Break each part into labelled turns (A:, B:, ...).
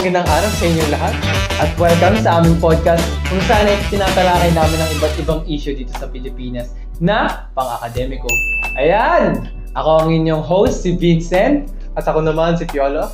A: Magandang araw sa inyong lahat at welcome sa aming podcast kung saan ay tinatalakay namin ang iba't ibang issue dito sa Pilipinas na pang-akademiko. Ayan! Ako ang inyong host, si Vincent.
B: At ako naman si Piolo.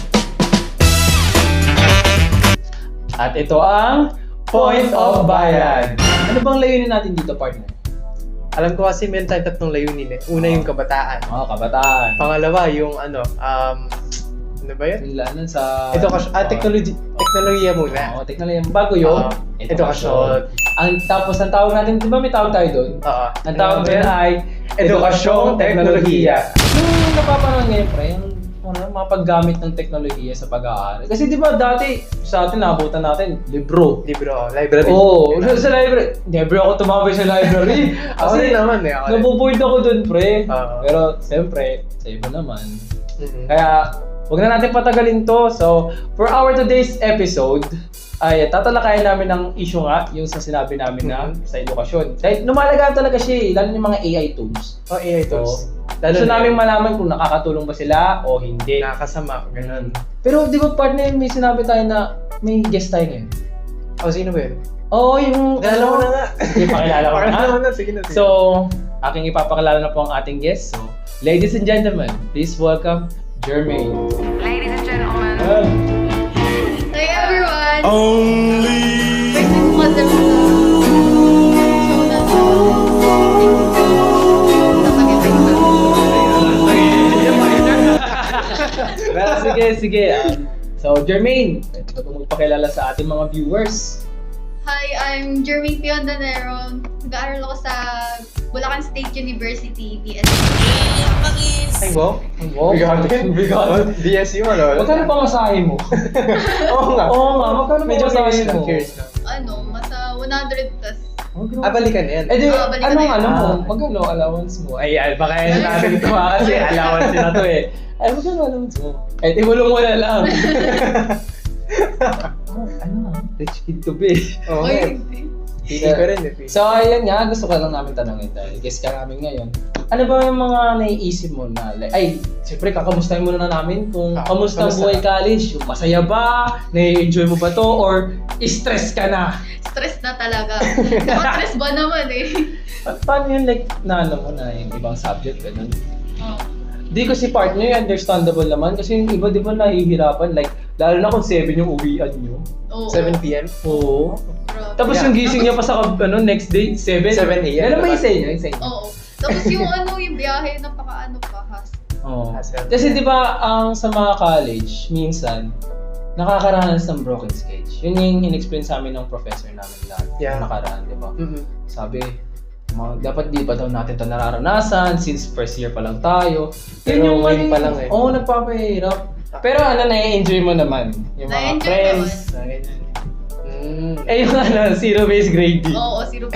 A: At ito ang Point of Bayan. Ano bang layunin natin dito, partner?
B: Alam ko kasi meron tayong tatlong layunin eh. Una yung kabataan.
A: Kabataan.
B: Pangalawa yung ano ba yun?
A: Ano sa...
B: Teknolohiya muna.
A: Teknolohiya. Bago yun,
B: Edukasyon.
A: Tapos ang tawag natin, di ba may tawag tayo doon?
B: Oo.
A: Ang tawag doon ay
B: Edukasyong Teknolohiya.
A: Yung napapanood ngayon, pre, yung mga paggamit ng teknolohiya sa pag-aaral. Kasi di ba dati sa atin, naabutan natin, libro.
B: Library.
A: Oo, sa library. Never ako tumambay sa library.
B: Ako
A: Kasi
B: din naman eh.
A: nabuboard ako doon, pre.
B: Oo.
A: Pero, siyempre, sa iba naman.
B: Mhm.
A: Kaya, huwag na natin patagalin to. So, for our today's episode, ay tatalakayin namin ng issue nga, yung sa sinabi namin na sa edukasyon. Dahil lumalagaan talaga siya lalo yung mga AI tools.
B: AI tools.
A: Gusto namin malaman kung nakakatulong ba sila o hindi.
B: Nakakasama. Ganun.
A: Pero di ba partner, may sinabi tayo na may guest tayo ngayon?
B: Sino ba yun?
A: Oo, yung...
B: Alam mo na nga.
A: Sige, pakilala ko na.
B: Pakilala mo na. Sige na.
A: So, aking ipapakilala na po ang ating guest. So, ladies and gentlemen, please welcome Jermaine.
C: Ladies and gentlemen.
D: Hi everyone!
C: Only
D: First time ko kasi sa show na to.
A: Pero sige. So, Jermaine, ito po magpakilala sa ating mga viewers.
D: Hi, I'm Jermaine Piondanero. Nag-aaral ako sa Bulacan State University, BSc.
B: Ay, wow.
A: Wow. Bigat.
B: DSU, ano?
A: Magkano pa masahe mo?
B: Oo nga.
A: Magkano pa
B: Medyo
A: masahe mo?
B: curious lang.
D: Masa 100 plus.
B: Balikan yan.
A: Eh di,
D: balikan
A: anong
D: na
A: ano
D: yun.
A: mo? Magkano allowance mo? Ay, baka yan natin ito kasi allowance na to eh. Ay, magkano allowance mo? Eh, timulong mo na lang. Rich kid to be.
B: Oo nga.
D: Oy, hindi.
B: Hindi ko rin eh.
A: So, ayan nga, gusto ko lang namin tanongin dahil guest ka namin ngayon. Ano ba yung mga naiisip mo na, siyempre kakamustahin muna na namin kung kamusta ang buhay college? Yung masaya ba? Nai-enjoy mo ba to? Or stress ka na?
D: Stress na talaga. Naka-stress ba naman eh?
A: Paano yun, na ano mo na yung ibang subject, ganun?
D: Oh.
A: Di ko si partner, understandable naman kasi yung iba di ba nahihirapan, lalo na kung 7 yung uwian nyo.
D: Oo.
B: 7 p.m.
A: Oo.
D: Grabe.
A: Tapos yung gising niya pa sa next day, 7.
B: 7 a.m.
A: Ano ba yung sa inyo?
D: Oo. Tapos yung biyahe, napaka has.
A: Oo.
B: Hassle.
A: Kasi di ba, ang sa mga college, minsan, nakakaranas ng broken sketch. Yun yung in-explain sa amin ng professor namin lahat.
B: Yeah.
A: Nakaraan, di ba?
B: Mhm.
A: Sabi, dapat di pa daw natin ito nararanasan since first year pa lang tayo.
B: Pero ngayon pa lang eh.
A: Oo, nagpapahirap. Pero nai-enjoy mo naman. Yung mga
D: Na-enjoy
A: friends. Eh yung zero-based grading.
D: Oo, 0.3.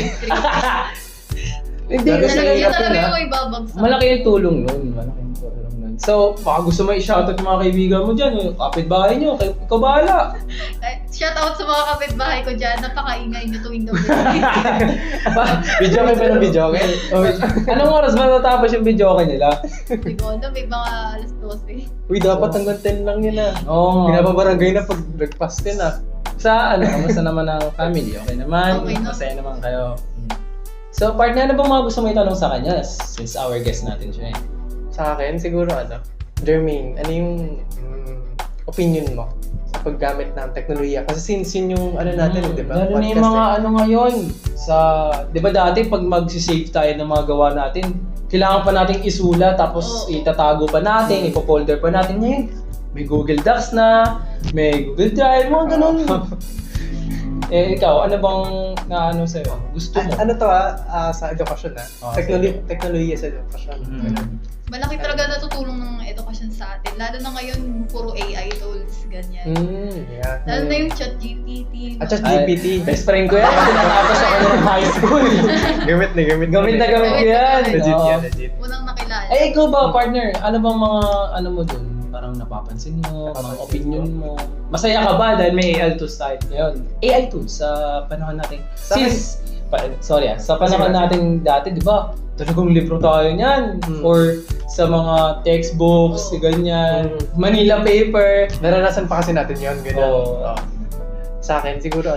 A: Hindi
B: Talaga
A: kasi
B: siya hirap
D: Talaga
B: yun,
D: yung may babagsak.
A: malaki yung tulong nun. So, baka gusto mo i-shoutout yung mga kaibigan mo dyan, yung kapitbahay nyo, ikaw bahala.
D: Shout out sa mga kapitbahay ko dyan. Napakaingay nyo tuwing gabi.
B: Video kayo ba ng video kayo?
A: Anong oras ba natapos yung video nila?
D: Hindi ko alam, may mga alas 12.
B: Uy, dapat hanggang 10 lang yun ah.
A: Oo.
B: Pinapabarangay na pag breakfast din ah.
A: Sa kamusta naman ang family? Okay naman?
D: Okay na.
A: Masaya naman kayo? So, partner, ano bang mga gusto mo itanong sa kanya? Since our guest natin siya eh.
B: Sa akin, siguro Jermaine, ano yung opinion mo sa paggamit ng teknolohiya? Kasi since yun yung natin, di ba?
A: Lalo na yung mga ngayon, di ba dati pag mag-save tayo ng mga gawa natin, kailangan pa nating isulat, tapos itatago pa natin, ipo-folder pa natin. Ngayon, may Google Docs na, may Google Drive, mga ganun. Ikaw, ano bang sa'yo? Gusto mo?
B: Sa edukasyon
A: sige.
B: Teknolohiya sa edukasyon.
D: Malaki talaga natutulong ng edukasyon sa atin. Lalo na ngayon, puro AI tools, ganyan.
B: Yeah.
D: Lalo na yung ChatGPT.
B: At ChatGPT.
A: Best friend ko yan, kasi natapos ako ng high school.
B: Gamit na
A: Gamit ko yan.
B: Legit
A: Oo.
B: yan, legit.
D: Unang nakilala.
A: Ikaw ba, partner? Ano bang mga, mo dun? Parang napapansin mo, mga opinion mo. Masaya ka ba dahil may AI tools tayo ngayon? AI tools sa panahon natin.
B: Sa akin-
A: Sa panahon natin dati, di ba? talagang libro tayo niyan. Or sa mga textbooks, ganyan. Manila paper.
B: Naranasan pa kasi natin yun, gano'n.
A: Oo.
B: Sa akin, siguro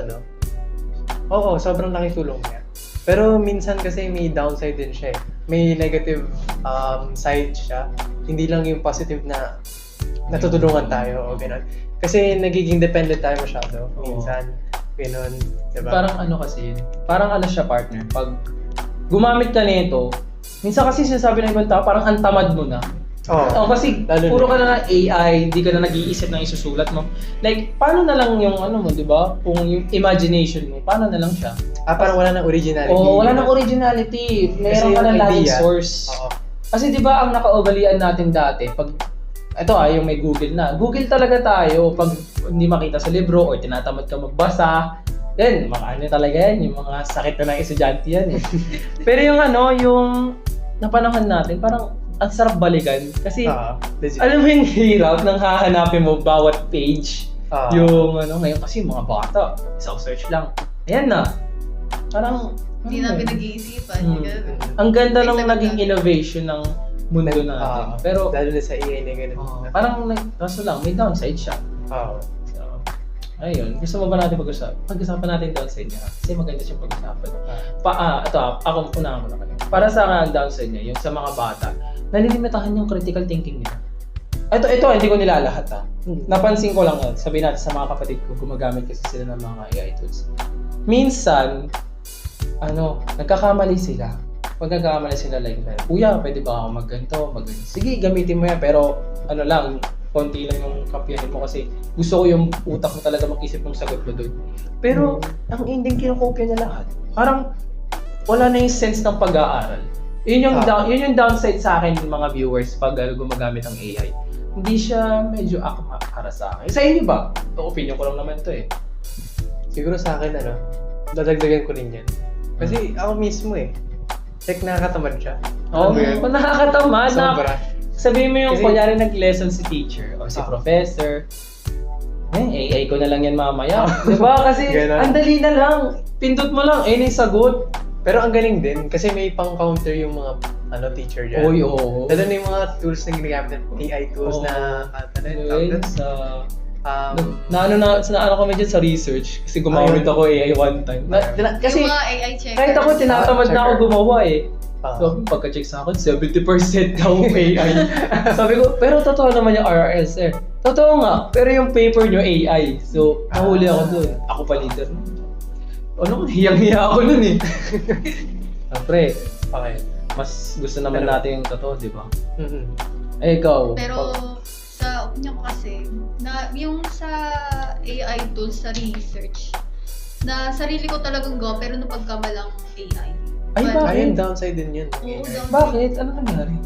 B: oo, sobrang laking tulong niya. Pero minsan kasi may downside din siya eh. May negative side siya. Hindi lang yung positive na natutulungan tayo o gano'n. Kasi nagiging dependent tayo masyado. Minsan, gano'n. Diba?
A: Parang kasi yun. Parang siya partner. Pag gumamit ka nito, minsan kasi sinasabi ng ibang tao, parang ang tamad mo na.
B: Oo.
A: Kasi
B: Lalo
A: puro
B: na.
A: ka na ng AI, di ka na nag-iisip ng isusulat mo. Like, paano na lang yung mo, di ba? Kung yung imagination mo, paano na lang siya?
B: Parang wala nang originality.
A: Oo, wala nang originality. Meron ka
B: yung
A: na laging
B: idea.
A: source.
B: Oo.
A: Kasi di ba ang nakaugalian natin dati, pag yung may Google na. Google talaga tayo pag hindi makita sa libro or tinatamad ka magbasa. Yan, mga talaga yan, yung mga sakit na ng estudyante yan eh. Pero yung napanahon natin, parang ang sarap balikan. Kasi,
B: Legit.
A: alam mo yung hirap nang hahanapin mo bawat page. Yung ngayon kasi mga bata, isang search lang. Ayan na. Parang,
D: Hindi namin nag-iisipan.
A: ang ganda
D: May
A: ng
D: sagot
A: naging
D: na.
A: innovation ng mundo natin. Pero,
B: lalo na sa AI na gano'n.
A: parang, kaso lang, may downside siya.
B: Oo.
A: So, ayun. Gusto mo ba natin pag-usapan natin downside niya? Kasi maganda siyang pag-usapan. Ako unahan ko na kayo. Para sa akin, ang downside niya, yung sa mga bata, nalilimitahan yung critical thinking nila. Ito, hindi ko nilalahat Napansin ko lang, sabihin natin sa mga kapatid ko, gumagamit kasi sila ng mga AI tools. Minsan, nagkakamali sila. Pag nagkakamali sila like, Kuya, pwede ba ako magganto? Sige, gamitin mo yan. Pero, konti lang yung kapiyahin mo kasi gusto ko yung utak mo talaga mag-isip ng sagot mo doon. Pero, ang ending kinokopya niya lahat. Parang, wala na yung sense ng pag-aaral. Yun yung downside sa akin ng mga viewers pag gumagamit ng AI. Hindi siya medyo akma para sa akin. Sa inyo ba? Ito, opinion ko lang naman to eh.
B: Siguro sa akin, dadagdagan ko rin yan. Kasi ako mismo like nakakatamad siya.
A: Oo,
B: Alam mo yun?
A: nakakatamad.
B: Sobra.
A: Sabihin mo yung
B: Kasi-
A: kunyari nag-lesson si teacher o si professor. AI ko na lang yan mamaya. Diba? Kasi
B: Ganon.
A: ang dali na lang. Pindot mo lang, ayun yung sagot.
B: Pero ang galing din kasi may pang-counter yung mga teacher dyan.
A: Oy, oo.
B: Lalo na yung mga tools na ginagamit, AI tools
A: Oo.
B: na
A: Anyway,
B: na
A: naano kami dyan sa research kasi gumamit ako AI one time. Kasi
D: Yung mga AI checkers.
A: kahit ako tinatamad na ako
B: checker.
A: gumawa eh. So, pagka-check sa akin, 70% daw AI. Sabi ko, pero totoo naman yung RRS eh. Totoo nga, pero yung paper nyo AI. So, nahuli ako doon. Ako pa leader. Hiyang-hiya ako nun eh. Siyempre,
B: Okay.
A: mas gusto naman natin yung totoo, di ba?
B: Mhm.
A: Ikaw.
D: Pero sa opinion ko kasi, na yung sa AI tools sa research, na sarili ko talagang go, pero napagkamalang AI.
A: Ay,
D: But-
A: bakit?
B: Ayun, downside din yun.
D: Oo, downside.
A: Bakit? Ano nangyari?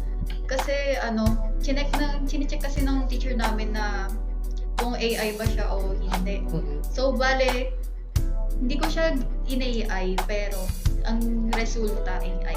D: Kasi chinecheck kasi ng teacher namin na kung AI ba siya o hindi.
B: Mhm.
D: So, bale, hindi ko siya in-AI, pero ang resulta AI.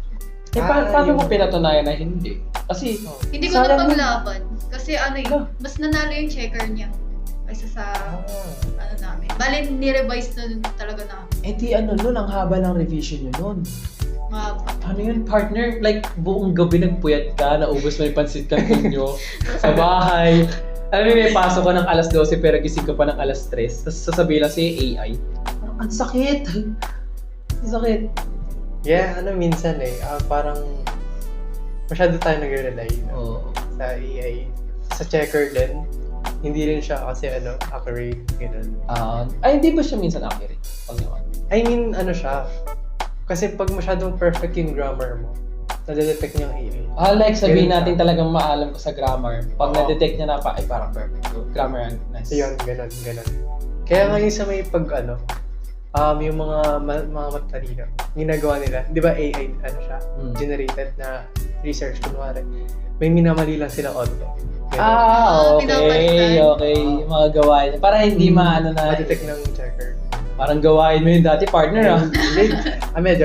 A: Paano mo pinatunayan na hindi? Kasi,
D: Hindi ko
A: sayang yun.
D: napaglaban. Kasi mas nanalo yung checker niya kaysa sa namin. Bale, ni-revise na talaga namin.
A: nun, ang haba ng revision nyo nun.
D: Mahaba.
A: Ano yun, partner? Like, buong gabi nagpuyat ka, naubos mo yung pansit canton nyo sa bahay. Alam mo, may pasok ka ng alas 12 pero gising ka pa ng alas 3. Tapos sasabihin lang sa'yo AI. Parang, ang sakit. Ang sakit.
B: Yeah, minsan parang masyado tayo nag-rely sa AI. Sa checker din, hindi rin siya kasi accurate, gano'n.
A: Ay, hindi ba siya minsan accurate? Pag naman.
B: I mean, siya. Kasi pag masyadong perfect yung grammar mo, nadedetect niya ang AI.
A: Like sabihin
B: Ganun
A: natin
B: siya.
A: talagang maalam ko sa grammar. Pag
B: Oo.
A: na-detect niya na ay parang perfect. So, grammar nice.
B: Yun, gano'n. Kaya ngayon sa may yung mga matalino, ginagawa nila, di ba AI, siya, generated na research, kunwari, may minamali lang sila onte.
A: Okay.
D: pinapalitan.
A: Okay. Yung mga gawain. Para hindi maano na.
B: Ma-detect ng checker.
A: Parang gawain mo yun dati, partner
B: Medyo.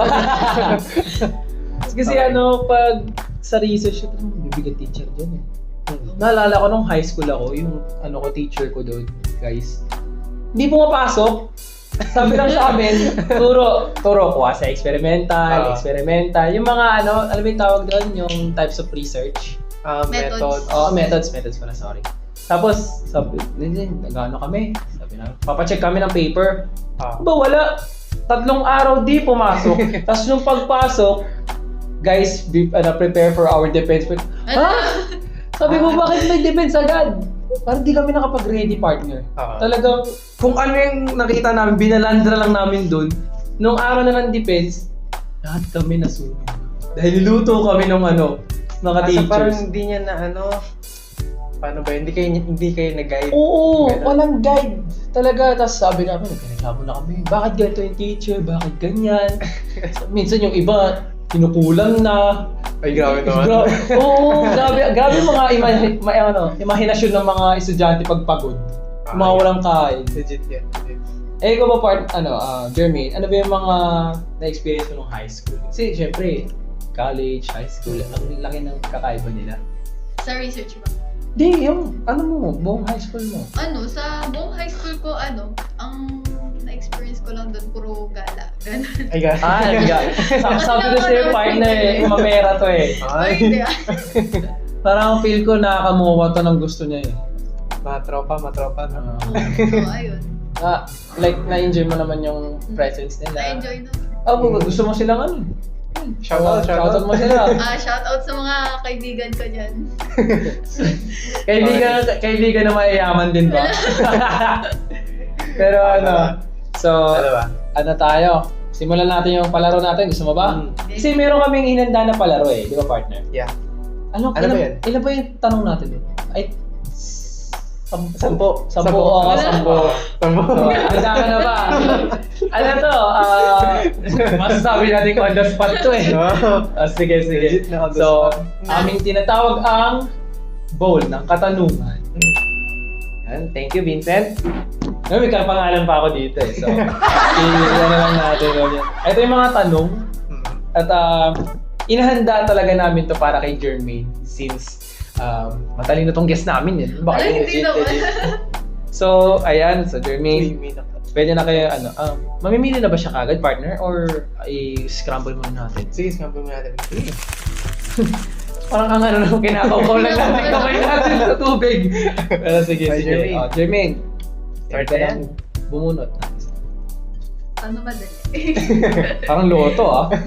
A: Kasi pag sa research, bibigat teacher dyan Naalala ko nung high school ako, yung teacher ko doon, guys. Hindi pumapasok. Sabi lang sa amin, turo quasi experimental. Yung mga ano mo yung tawag doon, yung types of research.
B: Methods.
A: Methods pala, sorry. Tapos, sabi, nag-ano kami? Sabi na, papacheck kami ng paper. Ba, wala. 3 araw di pumasok. Tapos nung pagpasok, guys, prepare for our defense. Sabi ko, bakit may defense agad? Parang di kami nakapag-ready, partner. Talagang, kung ano yung nakita namin, binalandra lang namin dun. Nung araw na ng defense, lahat kami nasunog. Dahil niluto kami nung mga teachers.
B: Parang hindi niya na paano ba, hindi kayo nag-guide.
A: Oo, walang guide. Talaga, tapos sabi namin, nagreklamo na kami. Bakit ganito yung teacher? Bakit ganyan? Minsan yung iba, kinukulang na.
B: Ay, grabe naman.
A: Oo, grabe mga imahinasyon ng mga estudyante pag pagod. Mga walang kain.
B: Legit yan.
A: Ikaw ba Jermaine, ano ba yung mga na-experience mo nung high school? Kasi syempre, college, high school, ang laki ng kakaiba nila.
D: Sa research ba?
A: Di, yung buong high school mo.
D: Sa buong high school ko, ang na-experience ko lang doon, puro gala. Ganun.
B: Ay, guys.
A: Sabi ko sa'yo, partner, mamera to eh.
D: Ay, hindi
A: Parang feel ko nakakamuha to ng gusto niya eh.
B: Matropa. No?
D: So, ayun.
A: Like, na-enjoy mo naman yung presence nila.
D: Na-enjoy naman.
A: Gusto mo silang
B: Shoutout.
A: Shoutout mo sila.
D: Shoutout sa mga kaibigan ko dyan.
A: Kaibigan na mayayaman din ba? Pero so, tayo? Simulan natin yung palaro natin. Gusto mo ba? Kasi meron kaming hinanda na palaro eh. Di ba, partner?
B: Yeah.
A: Ano ba yan? Ilan ba yung tanong natin? Ay, 10. 10. Handa ka na ba? Masasabi natin kung on the spot to eh. Sige. So, aming tinatawag ang bowl ng katanungan. Yan. Thank you, Vincent. May kapangalan pa ako dito eh. So, ilan na lang natin. Ito yung mga tanong. At inahanda talaga namin to para kay Jermaine since matalino tong guest namin yun. Baka
D: Ay, hindi naman.
A: So, ayan. So, Jermaine, pwede na kayo, mamimili na ba siya kagad, partner? Or i-scramble muna natin?
B: Sige, scramble muna natin.
A: Parang kinakaw lang natin kamay natin sa tubig. Pero sige. Jermaine, start ka lang bumunot.
D: Ano madali?
A: Parang loto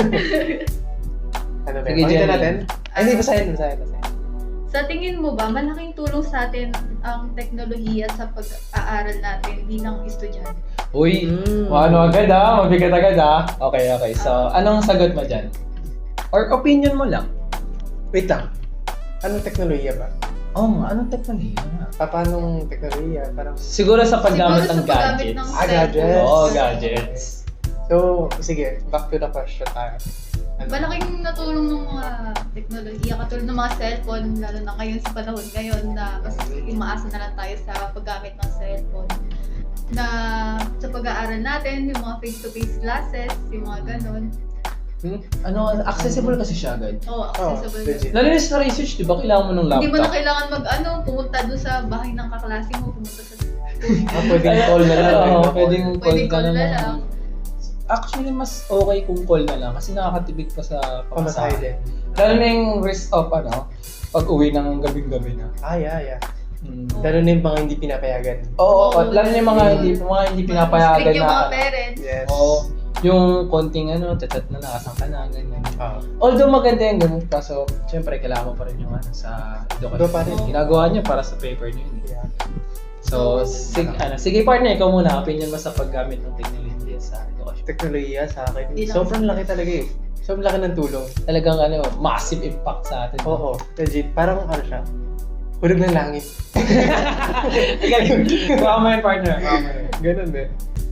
B: Ano ba?
A: Sige,
B: Pakita
A: Jenny.
B: natin? Ay, hindi, basahin.
D: Sa tingin mo ba, malaking tulong sa atin ang teknolohiya sa pag-aaral natin bilang estudyante?
A: Uy, agad mabigat agad Okay. So, anong sagot mo dyan? Or opinion mo lang?
B: Wait lang. Anong teknolohiya ba?
A: Anong teknolohiya nga?
B: Paanong teknolohiya? Parang...
A: Siguro sa paggamit ng
D: Siguro sa paggamit
A: gadgets.
D: ng
B: gadgets.
A: Gadgets.
B: So, sige, back to the question tayo.
D: Malaking natulong ng mga teknolohiya, katulad ng mga cellphone, lalo na ngayon sa panahon ngayon na mas umaasa na lang tayo sa paggamit ng cellphone. Na sa pag-aaral natin, yung mga face-to-face classes, yung mga ganon.
A: Accessible kasi siya agad.
D: Accessible.
B: legit.
A: Lalo na sa research, di ba kailangan mo ng laptop?
D: Hindi mo na kailangan pumunta doon sa bahay ng kaklase mo, pumunta sa
B: Pwedeng call na lang.
A: Pwedeng
D: Pwedeng
A: call
D: call
A: na
D: na
A: lang.
D: lang.
A: Actually, mas okay kung call na lang kasi nakakatibig pa sa
B: Pamasahe
A: pamasahe.
B: din.
A: Lalo na yung risk of pag-uwi ng gabing-gabi na.
B: Yeah. Lalo na yung mga hindi pinapayagan.
A: Oo, lalo na yung mga hindi pinapayagan
D: Strict yung
A: na.
D: mga parents.
B: Yes.
A: Oo, yung konting chat na nakasang ka na, ganyan.
B: Oo.
A: Although maganda yung ganun, kaso syempre kailangan mo pa rin yung sa
B: Iba pa rin.
A: edukasyon. Ginagawa niya para sa paper niyo yun.
B: Yeah.
A: So, sige partner, ikaw muna, opinion mo sa paggamit ng technology sa edukasyon.
B: Teknolohiya sa akin.
D: Hindi lang.
B: Sobrang laki talaga eh. Sobrang laki ng tulong.
A: Talagang massive impact sa atin.
B: Oo, legit. Parang siya. Hulog ng langit.
A: Galing. Baka mo yun, partner.
B: Ganun eh.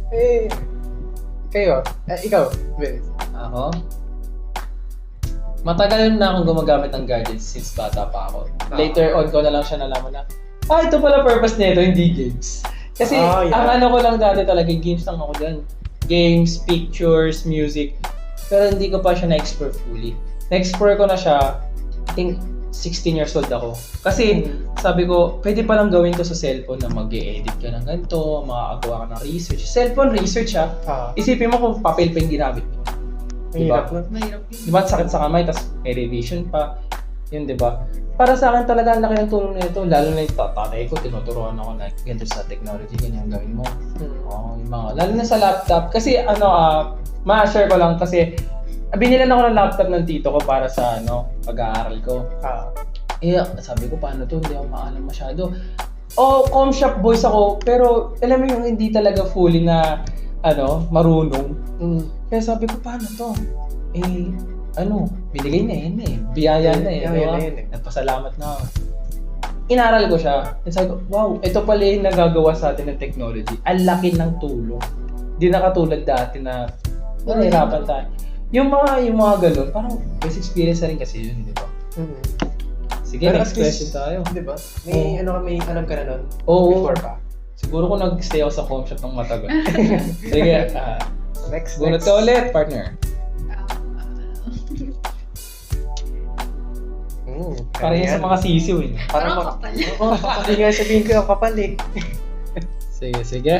B: Kayo. Ikaw, Vince.
A: Ako? Matagal na akong gumagamit ng gadgets since bata pa ako. Later on ko na lang siya nalaman na, ito pala purpose nito, hindi games. Kasi ang ko lang dati talaga, games lang ako dyan. Games, pictures, music. Pero hindi ko pa siya na-explore fully. Na-explore ko na siya, I think 16 years old ako. Kasi sabi ko, pwede palang gawin to sa cellphone na mag-e-edit ka ng ganito, makakagawa ka ng research. Cellphone research ha. Isipin mo kung papel pa yung ginamit mo.
B: Mahirap na.
D: Mahirap yun.
A: Diba? Sakit sa kamay, tapos may revision pa. Yun, diba? Para sa akin talaga, ang laki ng tulong nito. Lalo na yung tatay ko, tinuturuan ako na ganito sa technology, ganyan gawin mo. Oo, yung mga, lalo na sa laptop. Kasi ma-share ko lang kasi binilan ako ng laptop ng tito ko para sa pag-aaral ko. Sabi ko, paano to? Hindi ako maalam masyado. Com shop boys ako, pero alam mo yung hindi talaga fully na marunong. Kaya sabi ko, paano to? Binigay na yun eh. Biyaya na eh. Diba? Nagpasalamat na ako. Inaral ko siya. And sabi ko, wow, ito pala yung nagagawa sa atin ng technology. Ang laki ng tulong. Hindi na katulad dati na nahihirapan tayo. Yung mga ganun, parang best experience na rin kasi yun, di ba? Sige,
B: pero
A: next question tayo.
B: Di ba? May alam ka na nun?
A: Oo.
B: Before pa?
A: Siguro kung nag-stay ako sa home shop ng matagal. Sige,
B: Next.
A: bunot ka ulit, partner. Para yan sa mga sisiw eh.
D: Parang kapal.
B: Oo, kapal nga sabihin ko, kapal eh.
A: Sige.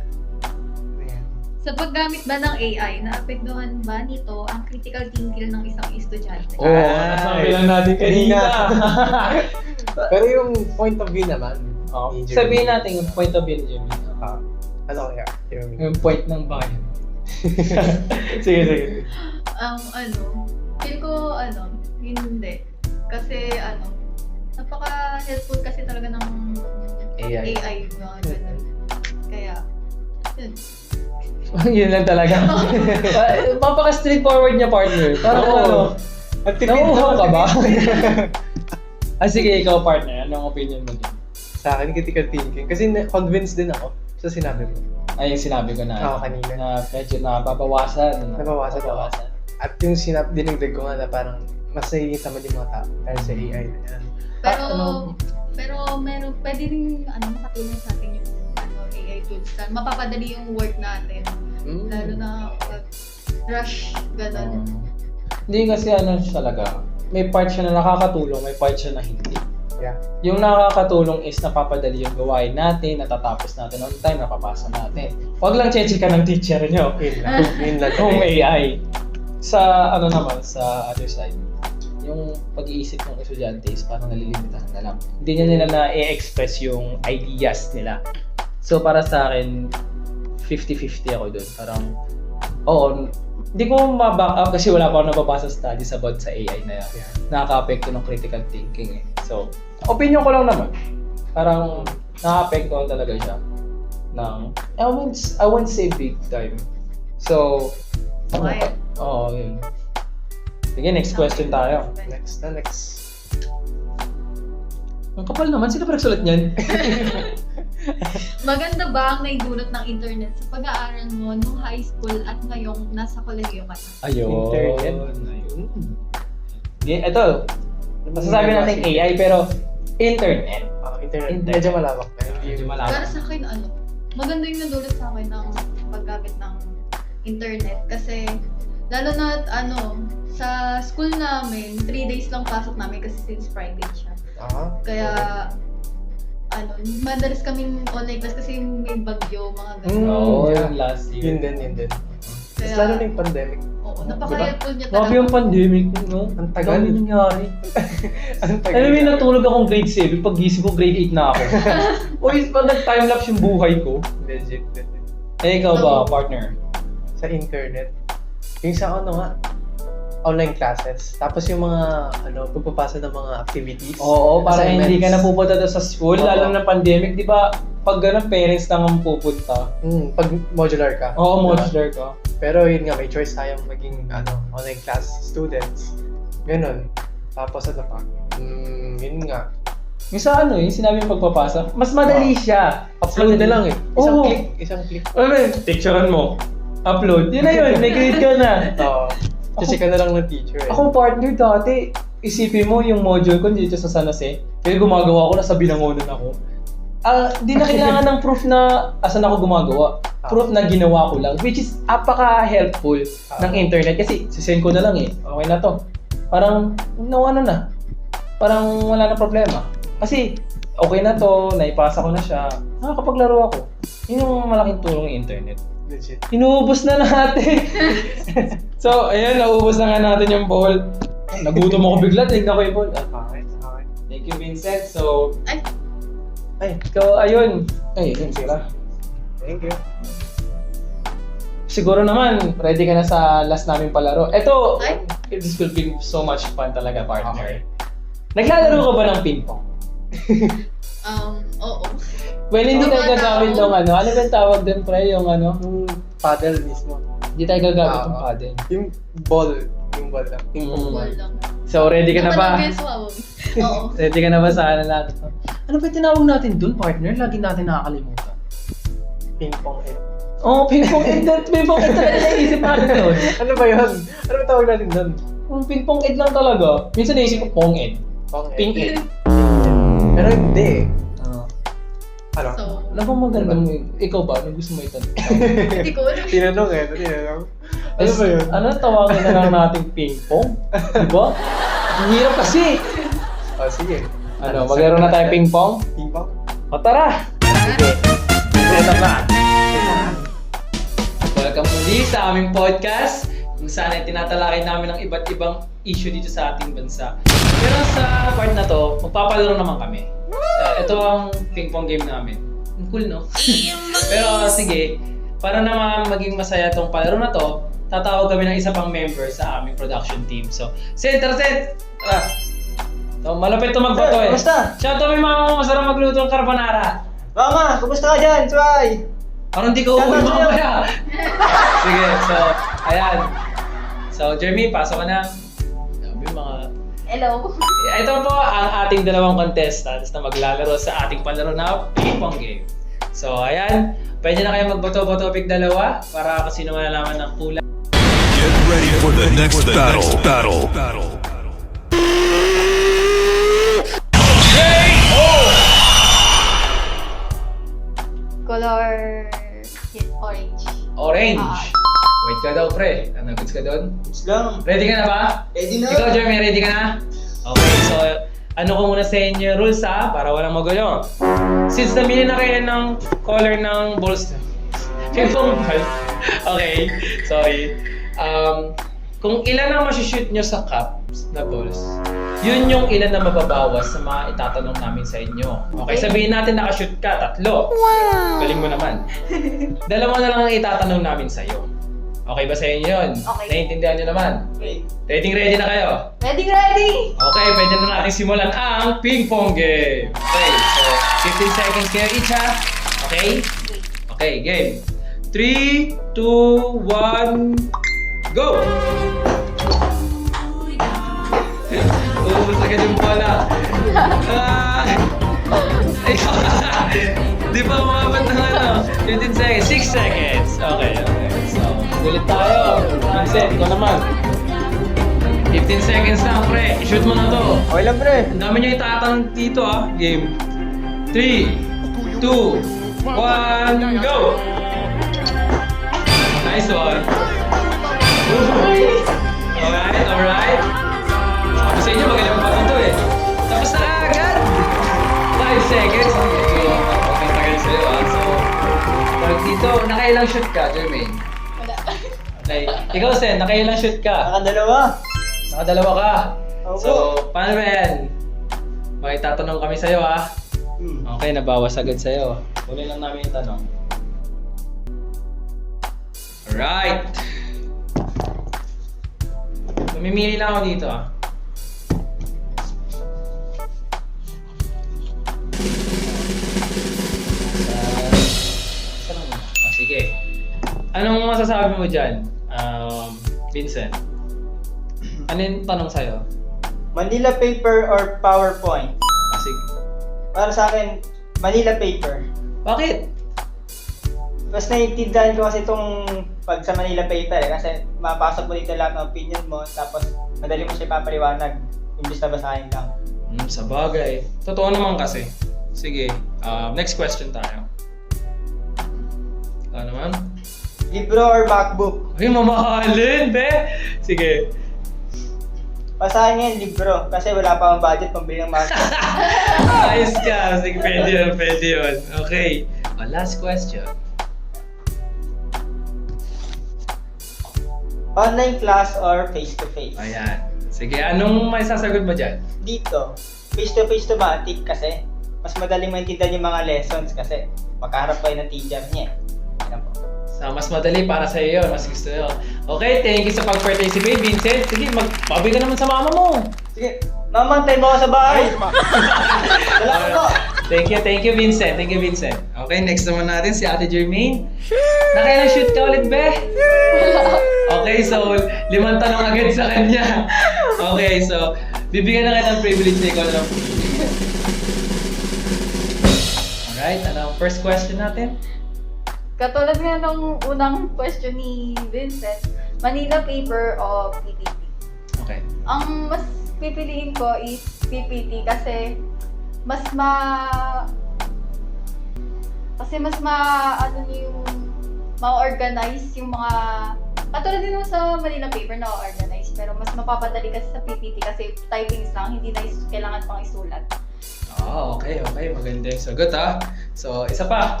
D: Sa paggamit ba ng AI, naapektuhan ba nito ang critical thinking ng isang estudyante?
A: Oo, nasabi lang natin kanina.
B: Pero yung point of view naman. ni Jeremy.
A: Sabihin natin yung point of view ni Jeremy.
B: Ano kaya? Jeremy.
A: Yung point ng bayan. Sige.
D: Feel ko, hindi. Kasi, napaka-helpful kasi talaga ng AI mga ganun. Kaya, yun.
A: Yun lang talaga. Mapaka-straightforward niya, partner. Parang nauuhaw ka ba? Sige, ikaw, partner. Anong opinion mo dyan?
B: Sa akin, critical thinking. Kasi convinced din ako sa sinabi mo.
A: Ay, yung sinabi ko na,
B: kanina.
A: na medyo nababawasan.
B: Nabawasan. At yung dinagdag ko nga na parang mas nakikita mo yung mga tao dahil sa AI na yan.
D: Pero pwede rin makatulong sa atin yung AI tools na mapapadali yung work natin. Lalo na pag rush, gano'n.
A: Hindi kasi talaga, may part siya na nakakatulong, may part siya na hindi.
B: Yeah.
A: Yung nakakatulong is napapadali yung gawain natin, natatapos natin on time, napapasa natin. Huwag lang cheche ka ng teacher nyo.
B: Yun lang.
A: Yung AI. Sa naman, sa other side, yung pag-iisip ng estudyante is parang nalilimitahan na lang. Hindi nila na-express yung ideas nila. So para sa akin, 50-50 ako doon. Parang, hindi ko ma-back up kasi wala pa ako nababasa studies about sa AI na yan. Nakaka-apekto ng critical thinking eh. So, opinion ko lang naman. Parang nakaka-apekto talaga siya ng, I won't say big time. So, yun. Sige, next question tayo.
B: Next.
A: Ang kapal naman, sino pa nagsulat niyan?
D: Maganda ba ang naidulot ng internet sa pag-aaral mo nung high school at ngayong nasa kolehiyo ka na?
A: Ayun.
B: Internet.
A: Ito, masasabi natin AI pero internet.
B: Internet. Medyo malawak na.
A: Medyo malawak.
D: Para sa akin, maganda yung nadulot sa akin ng paggamit ng internet. Kasi, lalo na, sa school namin, 3 days lang pasok namin kasi since Friday siya. Kaya, madalas kaming online class kasi may bagyo, mga ganun.
A: Yung last year.
B: Yun din.
D: Kaya,
B: Lalo na yung pandemic.
D: Oo, napaka-helpful niya
A: Grabe yung pandemic, no?
B: Ang tagal.
A: Ano nangyari?
B: Ang tagal.
A: Alam mo yung natulog akong grade 7, pag gising ko grade 8 na ako. Pag nag-timelapse yung buhay ko.
B: Legit.
A: Ikaw ba, partner?
B: Sa internet. Yung sa online classes. Tapos yung mga, pagpapasa ng mga activities.
A: Oo, para
B: assignments.
A: hindi ka na pupunta doon sa school, lalo na pandemic, di ba? Pag gano'n, parents lang ang pupunta.
B: Pag modular ka.
A: Oo,
B: Diba?
A: modular ka.
B: Pero yun nga, may choice tayong maging online class students. Ganun. Tapos yun nga.
A: Yung sa yung sinabi yung pagpapasa, mas madali siya.
B: Upload na lang eh.
A: Oo.
B: Isang click.
A: Picturean mo. Upload. Yun na yun, may grade ka na.
B: Oo. Kasi ka na lang ng teacher eh.
A: Ako partner dati, isipin mo yung module ko dito sa San Jose, kaya gumagawa ko, nasa Binangonan ako. Di na kailangan ng proof na asan ako gumagawa. Proof na ginawa ko lang, which is apaka-helpful ng internet kasi sisend ko na lang eh. Okay na to. Parang, na. parang wala na problema. Kasi okay na to, naipasa ko na siya, nakakapaglaro ako. Yun yung malaking tulong ng internet.
B: Legit.
A: Inuubos na natin. So, ayun, naubos na nga natin yung ball. Nagutom ako bigla, tignan ko yung ball.
B: Okay.
A: Thank you, Vincent. So,
B: Ay,
A: ikaw, ayun. Ay, yun sila.
B: thank you.
A: Siguro naman, ready ka na sa last naming palaro. Ito,
D: Ay.
A: this will be so much fun talaga, partner. Naglalaro ka ba ng ping-pong?
D: Oo.
A: Well, hindi tayo
D: Oo,
A: gagamit
D: tao.
A: ng ano. Ano ba yung tawag din, pre? Yung ano?
B: Yung paddle mismo.
A: Hindi tayo gagamit ng
B: Ah.
A: paddle.
B: Yung ball lang. Yung
A: Mm.
D: Wall lang.
A: So, ready ka na ba?
D: Oo.
A: Ready ka na ba sa ano natin? Ano ba yung tinawag natin dun, partner? Lagi natin nakakalimutan.
B: Ping-pong head.
A: Oh, ping-pong ed. Ping-pong ed talaga naisip natin doon.
B: Ano ba yun? Ano ba tawag natin doon?
A: Ping-pong ed lang talaga. Minsan naisip ko pong ed.
B: Pong head.
A: Ping ed.
B: Pero hindi. Ano?
D: So,
A: Ano bang magandang ikaw ba? Ano gusto mo itanong?
D: hindi ko alam.
B: Tinanong. Ano ba yun?
A: Ano tawagin na lang nating ping-pong? Diba? Ang hirap kasi.
B: Oh, sige.
A: Ano, maglaro na tayo ping-pong?
B: Ping-pong?
A: O tara! Sige. Ito na. Welcome muli sa aming podcast kung saan ay tinatalakay namin ang iba't ibang issue dito sa ating bansa. Pero sa part na to, magpapalaro naman kami. Ito ang ping-pong game namin. Ang cool, no? Pero sige, para naman maging masaya tong palaro na to, tatawag kami ng isa pang member sa aming production team. So, Sid, tara Sid! Tara! So, malapit to magbato eh.
E: Kumusta?
A: Shout out may mama mo, masarap magluto ng carbonara.
E: Mama, kumusta ka dyan? Suway!
A: Parang di ko
E: Shout
A: uuwi
E: out sa'yo.
A: mamaya. Sige, so, ayan. So, Jeremy, pasok ka na. Sabi mga...
D: Hello.
A: Ito po ang ating dalawang contestants na maglalaro sa ating palaro na ping-pong game. So, ayan. Pwede na kayo magbato-bato pick dalawa para kasi naman malalaman ng kulay.
C: Get ready for the next battle.
D: Color orange.
A: Orange.
D: Ah.
A: Wait ka daw, pre. Ano, goods ka doon?
E: Goods lang.
A: Ready ka na ba?
E: Ready na.
A: Ikaw, Jeremy, ready ka na? Okay, so ano ko muna sa inyo rules ha, para walang magulo. Since namili na kayo ng color ng balls, ping-pong ball. Okay, sorry. Kung ilan ang masishoot nyo sa cups na balls, yun yung ilan na mababawas sa mga itatanong namin sa inyo. Okay, sabihin natin nakashoot ka, 3. Wow! Galing mo naman. 2 na lang ang itatanong namin sa'yo. Okay ba sa inyo yun?
D: Okay.
A: Naiintindihan nyo naman? Ready na kayo?
D: Ready!
A: Okay, pwede na natin simulan ang ping-pong game. Okay, so 15 seconds kayo each ha. Okay? Okay, game. 3, 2, 1, go! Ubus agad yung bola. Di pa umabot ng ano? 15 seconds, 6 seconds. Okay. So, ulit tayo. Vincent, ikaw naman. 15 seconds lang, pre. I-shoot mo na to.
E: Okay lang, pre.
A: Ang dami nyo itatanong dito, ah. Game. 3, 2, 1, go! Nice one. Alright. Sabi sa inyo, magaling pa ito eh. Tapos na agad. 5 seconds. Okay, tagal sa'yo, ah. So, tawag dito, nakailang shoot ka, Jermaine?
D: Wala.
A: Okay. Ikaw, Sen, nakailang shoot ka?
E: Nakadalawa.
A: Nakadalawa ka.
E: Opo.
A: So, paano ba yan? Makitatanong kami sa'yo, ha? Okay, nabawas agad sa'yo. Huli lang namin yung tanong. Alright. Mamimili lang ako dito, ah. Sige. Anong masasabi mo dyan, Vincent? Ano yung tanong sa'yo?
E: Manila paper or PowerPoint?
A: Sige.
E: Para sa akin, Manila paper.
A: Bakit?
E: Mas naiintindihan ko kasi itong pag sa Manila paper eh. Kasi mapasok mo dito lahat ng opinion mo, tapos madali mo siya ipapaliwanag. Imbis na basahin lang.
A: Sa bagay. Totoo naman kasi. Sige, next question tayo. Ano naman?
E: Libro or MacBook?
A: Ay, mamahalin, be! Sige.
E: Pasahan ngayon libro kasi wala pa akong budget pambili ng marker.
A: Ayos ka. Sige, pwede yun, pwede yun. Okay. Last question.
E: Online class or face-to-face?
A: Ayan. Sige, anong may sasagot mo dyan?
E: Dito, face-to-face to matik kasi mas madaling maintindihan yung mga lessons kasi magkaharap kayo ng teacher niya. Yan po.
A: Sa mas madali para sa iyo, mas gusto nyo. Okay, thank you sa pag-participate, Vincent. Sige, magpabi ka naman sa mama mo.
E: Sige, mamantay mo ako sa bahay. Salamat po.
A: Thank you, Vincent. Thank you, Vincent. Okay, next naman natin si Ate Jermaine. Nakailang-shoot ka ulit, be? Okay, so 5 tanong agad sa kanya. Okay, so bibigyan na kita ng privilege na ikaw na lang. Alright, ano ang first question natin?
D: Katulad nga nung unang question ni Vincent, Manila paper o PPT?
A: Okay.
D: Ang mas pipiliin ko is PPT kasi mas ano niyo yung ma-organize yung mga katulad din naman sa Manila paper na organize pero mas mapapadali kasi sa PPT kasi typings lang, hindi na kailangan pang isulat.
A: Okay. Maganda yung sagot, ha? So, isa pa.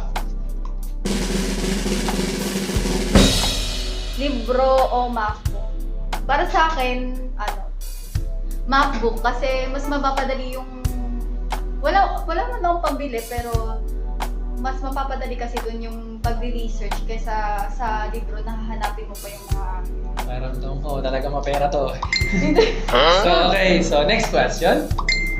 D: Libro o MacBook? Para sa akin, MacBook kasi mas mapapadali yung wala man akong pambili pero mas mapapadali kasi dun yung pagre-research kaysa sa libro na hahanapin mo pa yung mga
A: Paramdam ko, talaga mapera to. So, okay. So, next question.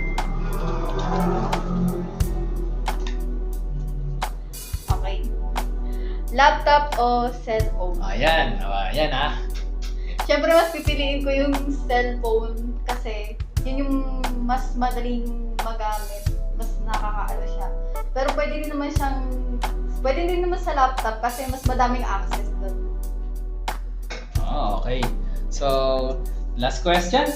D: okay. Laptop o cellphone?
A: Ayan, ha?
D: Siyempre mas pipiliin ko yung cellphone kasi yun yung mas madaling magamit, mas nakakaano siya. Pero pwede din naman sa laptop kasi mas madaming access doon.
A: Okay. So, last question.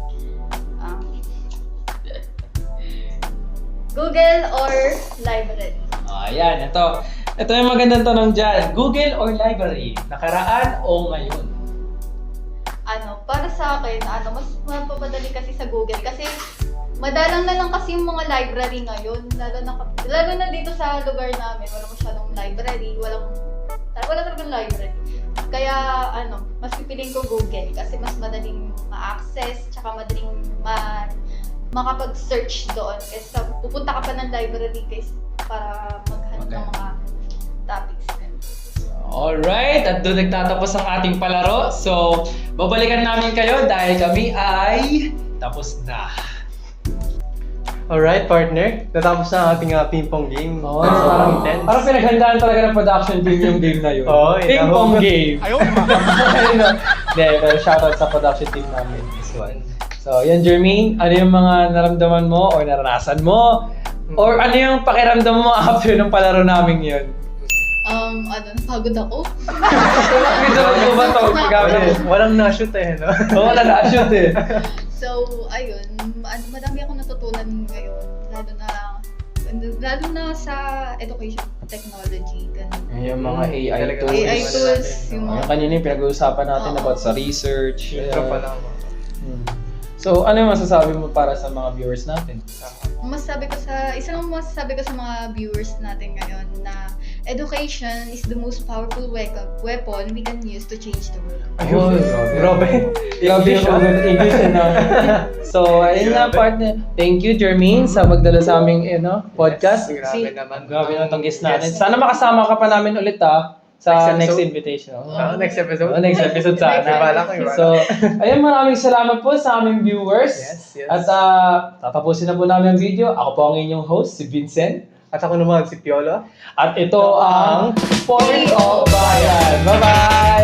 D: Google or library?
A: Ayan, ito. Ito yung magandang tanong dyan. Google or library? Nakaraan o ngayon?
D: Para sa akin, mas mapapadali kasi sa Google kasi madalang na lang kasi yung mga library ngayon, lalo na dito sa lugar namin, wala masyadong library, wala talagang library. Kaya mas pipiliin ko Google kasi mas madaling ma-access, tsaka madaling makapag-search doon kaysa pupunta ka pa ng library guys para maghanap ng mga topics.
A: Alright, at doon nagtatapos ang ating palaro. So, babalikan namin kayo dahil kami ay tapos na.
B: Alright, partner. Natapos na ang ating ping-pong game.
A: Oh,
B: Parang intense.
A: Parang pinaghandaan talaga ng production team yung game na yun.
B: Oo,
A: Ping-pong game.
C: Ayaw.
A: Hindi, pero shoutout sa production team namin. This one. So, yan Jermaine, ano yung mga naramdaman mo or naranasan mo? Or ano yung pakiramdam mo after ng palaro namin yun?
D: Napagod ako.
A: Medyo ba ito?
B: Walang na-shoot no?
A: Oo, wala na-shoot eh.
D: So, ayun, madami akong natutunan ngayon, lalo na sa education technology. Ganun.
A: Yung mga AI
B: Talaga.
A: tools.
D: AI tools, yung
A: Yung
D: mga
A: kanina yung pinag-uusapan natin
D: Oo.
A: about sa research.
B: Intro pa lang.
A: So, ano yung masasabi mo para sa mga viewers natin?
D: isa lang masasabi ko sa mga viewers natin ngayon na education is the most powerful weapon we can use to change the world.
A: Ayun,
B: Grabe.
A: Grabe yung English na. So, ayun na partner. Thank you, Jermaine, sa magdala sa aming podcast.
B: Yes, grabe naman.
A: Grabe naman itong guest natin.
B: Yes.
A: Sana makasama ka pa namin ulit sa
B: Next
A: next
B: episode?
A: invitation.
B: Next episode?
A: Next episode sana.
B: Ibala ko.
A: So, ayun, maraming salamat po sa aming viewers.
B: Yes.
A: At tatapusin na po namin ang video. Ako po ang inyong host, si Vincent.
B: At ako naman si Piolo.
A: At ito ang Point of Bayan. Bye-bye!